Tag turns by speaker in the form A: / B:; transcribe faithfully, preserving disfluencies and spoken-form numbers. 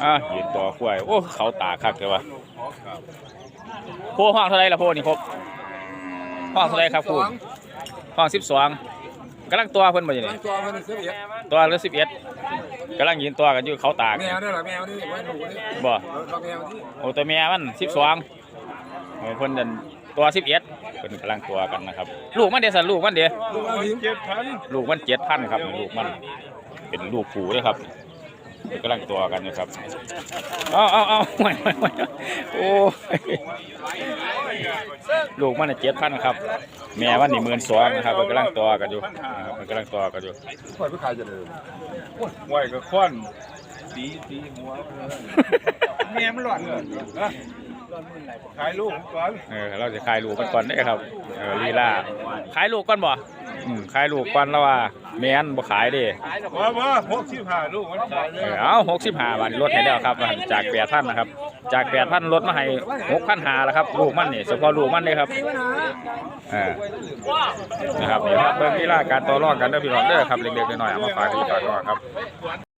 A: อ่ะยืนต่อควายโอ้เขาตาคักเลยวะโพห้องเท่าไรล่ะโพนี่ครบห้องเท่าไรครับคุณห้องสิบสองกำลังตัวเพิ่นบ่อยู่นี่
B: ตัวมันสิบเอ็ด
A: ตัวละสิบเอ็ดกำลังยืนตัวกันอยู่เขาตาก
B: แมวนี่แหละแมวนี่ไว้หนูนี่
A: บ่
B: แมวที่
A: โอ้ตัวแม่มันสิบสองเพิ่นเดินตัวสิบเอ็ดเพิ่นกำลังตัวกันนะครับลูกมันเดี๋ยวสันลูกมันเดี๋ยว
B: ลูกมันเจ็ดพัน
A: ลูกมันเจ็ดพันครับลูกมันเป็นลูกผูด้วยครับกำลังตัวกันอยู่ครับเอาเอาเอาไม่ไม่ไม่โอ้ลูกมันเจ็ดพันครับแม่มันนี่หมื่นสองนะครับกำลังตัวกันอยู่มันกำลังตัวกันอยู่
B: ปล่อยผู้ขายจะเดิม
C: ไหวกับค้อนตีตีหัวแม่มันหลอนเลยขายลูกก่อน
A: เออเราจะขายลูกกันก่อนได้ครับเออลีลาขายลูกก่อนบ่อืมขายลูกก่อนแล้วว่าแม่นบ่ขายดิ
C: ว่าว่าหกสิบห้าลูกมันขายเลย
A: เอาหกสิบห้าบาทลดให้แล้วครับจากแปดพันนะครับจากแปดพันลดมาให้หกพันห้าแล้วครับลูกมันนี่เฉพาะลูกมันเลยครับอ่านะครับเดี๋ยวเบิ่งลีลาการต่อรองกันเด้อพี่น้องเด้อครับเล็กๆน้อยๆเอามาฝากพี่ฝากก่อนครับ